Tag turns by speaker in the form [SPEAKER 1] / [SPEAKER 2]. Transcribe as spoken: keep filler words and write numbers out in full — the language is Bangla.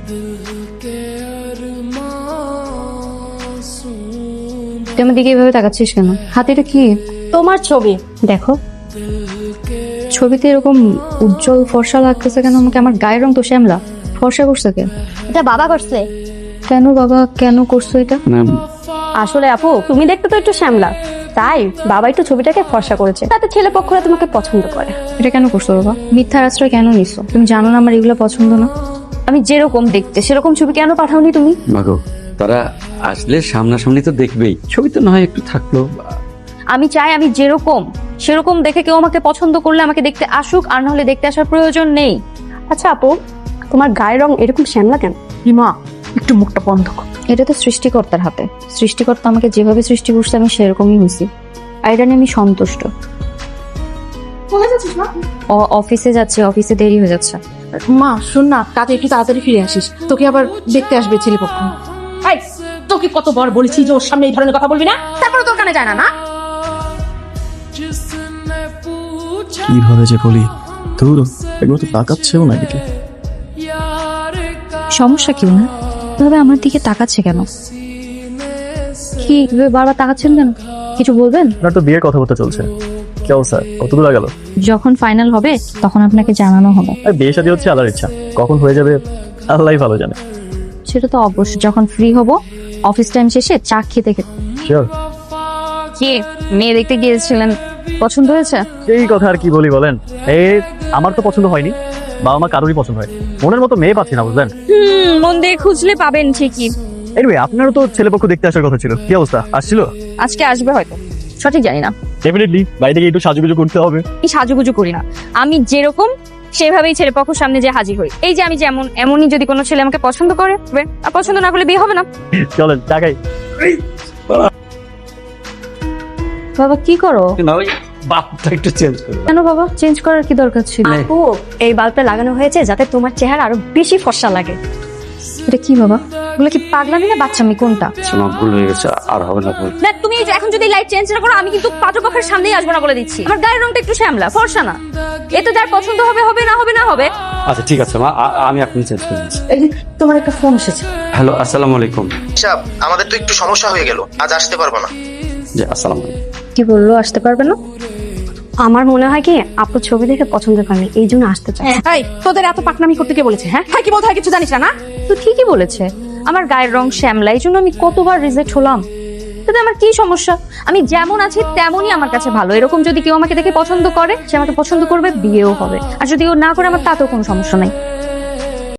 [SPEAKER 1] তুই আমার দিকে এভাবে তাকাচ্ছিস কেন? হাতে এটা কি?
[SPEAKER 2] তোমার ছবি।
[SPEAKER 1] দেখো ছবিতে এরকম উজ্জ্বল ফর্সা লাগতেছে কেন আমাকে? আমার গায়ের রং তো শ্যামলা, ফর্সা করছে কে?
[SPEAKER 2] এটা বাবা করছে।
[SPEAKER 1] কেন বাবা কেন করছো এটা?
[SPEAKER 2] আসলে আপু তুমি দেখতে তো একটু শ্যামলা, তাই বাবা একটু ছবিটাকে ফর্সা করেছে, তাতে ছেলে পক্ষরা তোমাকে পছন্দ করে।
[SPEAKER 1] এটা কেন করছো বাবা? মিথ্যার আশ্রয় কেন নিছো? তুমি জানো না আমার এগুলো পছন্দ না। আমি যেরকম দেখতে সেরকম ছবি কেন পাঠাওনি তুমি?
[SPEAKER 3] মাগো, তারা আসলে সামনাসামনি তো দেখবেই, ছবি তো না হয় একটু থাকলো।
[SPEAKER 1] আমি চাই আমি যেরকম সেরকম দেখে কেউ আমাকে পছন্দ করলে আমাকে দেখতে আসুক, আর না হলে দেখতে আসার প্রয়োজন নেই।
[SPEAKER 2] আচ্ছা আপু, তোমার গায়ের রং এরকম শ্যামলা কেন?
[SPEAKER 4] রিমা একটু মুখটা বন্ধ কর।
[SPEAKER 1] এটা তো সৃষ্টিকর্তার হাতে। সৃষ্টিকর্তা আমাকে যেভাবে সৃষ্টি করছে আমি সেরকমই হয়েছি, আর এটা নিয়ে আমি সন্তুষ্ট। অ- অফিসে যাচ্ছি, অফিসে দেরি হয়ে যাচ্ছে।
[SPEAKER 4] মা শোন না, কাজে একটু তাড়াতাড়ি ফিরে আসিস, তোকে আবার দেখতে আসবে ছেলেপক্ষ। এই, তোকে কতবার বলেছি যে ওর সামনে এই ধরনের কথা বলবি না, তারপরে তোর কানে যায় না না?
[SPEAKER 5] কিভাবে যে বলি, ধুর এগুলো তো তাকাচ্ছেও না দিকে।
[SPEAKER 1] সমস্যা কি না? তবে আমার দিকে তাকাচ্ছে কেন? কি এভাবে বারবার তাকাচ্ছেন কেন? কিছু বলবেন?
[SPEAKER 5] আপনার তো বিয়ের কথাবার্তা চলছে, কি অবস্থা, কতদূর গেল?
[SPEAKER 1] যখন ফাইনাল হবে তখন আপনাকে জানানো হবে।
[SPEAKER 5] আর বিয়ে শাদী হচ্ছে আল্লাহর ইচ্ছা, কখন হয়ে যাবে আল্লাহই ভালো জানে।
[SPEAKER 1] সেটা তো অবশ্যই, যখন ফ্রি হব অফিস টাইম শেষে চা খেতে খেতে।
[SPEAKER 5] শিওর।
[SPEAKER 1] কি মেয়ে দেখতে গিয়েছিলেন, পছন্দ হয়েছে?
[SPEAKER 5] সেই কথা আর কি বলি বলেন, এই আমার তো পছন্দ হয়নি, বাবা মা কারোরই পছন্দ হয়, মনের মতো মেয়ে পাচ্ছি না বুঝলেন।
[SPEAKER 1] হুম, মন দিয়ে খুঁজলে পাবেন ঠিকই।
[SPEAKER 5] এনিওয়ে আপনারও তো ছেলেপক্ষ দেখতে আসার কথা ছিল, কি অবস্থা, আসছিল?
[SPEAKER 1] আজকে আসবে হয়তো, সঠিক জানি না।
[SPEAKER 5] ডেফিনেটলি বাড়ি থেকে একটু সাজুগুজু করতে হবে।
[SPEAKER 1] এই সাজুগুজু করি না, আমি যেরকম সেভাবেই ছেলে পক্ষের সামনে যে হাজির হই। এই যে আমি যেমন, এমনই যদি কোনো ছেলে আমাকে পছন্দ করে, আর পছন্দ না করলে বিয়ে হবে না।
[SPEAKER 5] চলেন টাকাই।
[SPEAKER 1] বাবা কি করো?
[SPEAKER 3] না ওই বাপটা একটু চেঞ্জ করবো।
[SPEAKER 1] কেন বাবা, চেঞ্জ করার কি দরকার ছিল?
[SPEAKER 2] আপু এই বাল্বটা লাগানো হয়েছে যাতে তোমার চেহারা আরো বেশি ফর্সা লাগে।
[SPEAKER 1] এটা কি বাবা? ওগুলো কি পাগলামি না বাচ্চামি কোনটা?
[SPEAKER 3] শোনা ভুল হয়ে গেছে, আর হবে না ভুল।
[SPEAKER 1] না তুমি এই যে এখন যদি লাইট চেঞ্জ না করো আমি কিন্তু পাত্রপক্ষের সামনেই আসবো না বলে দিচ্ছি। আমার গায়ের রংটা একটু শ্যামলা, ফর্সা না। এতে যার পছন্দ হবে হবে, না হবে না হবে।
[SPEAKER 3] আচ্ছা ঠিক আছে মা, আ- আমি এখন চেঞ্জ করে দিচ্ছি।
[SPEAKER 4] এই যে, তোমার একটা ফোন এসেছে।
[SPEAKER 3] হ্যালো, আসসালামু আলাইকুম।
[SPEAKER 6] সাহেব, আমাদের তো একটু সমস্যা হয়ে গেল, আজ আসতে পারবো না।
[SPEAKER 3] জি আসসালামু আলাইকুম।
[SPEAKER 1] কি বললো আসতে পারবে না?
[SPEAKER 2] আমার মনে হয় কি আপু ছবি দেখে পছন্দ করেনি, এই জন্য আসতে চায়।
[SPEAKER 4] এই, তোদের এত পাকনামি করতে কে বলেছে? হ্যাঁ হ্যাঁ কি বলতে হয় কিছু জানিস না না?
[SPEAKER 1] তো ঠিকই বলেছে, আমার গায়ের রং শ্যামলা, এই জন্য আমি কতবার রিজেক্ট হলাম। তাতে আমার কি সমস্যা? আমি যেমন আছি তেমনই আমার কাছে ভালো। এরকম যদি কেউ আমাকে দেখে পছন্দ করে, সে আমাকে পছন্দ করবে, বিয়েও হবে। আর যদি ও না করে আমার তাতেও কোনো সমস্যা নাই।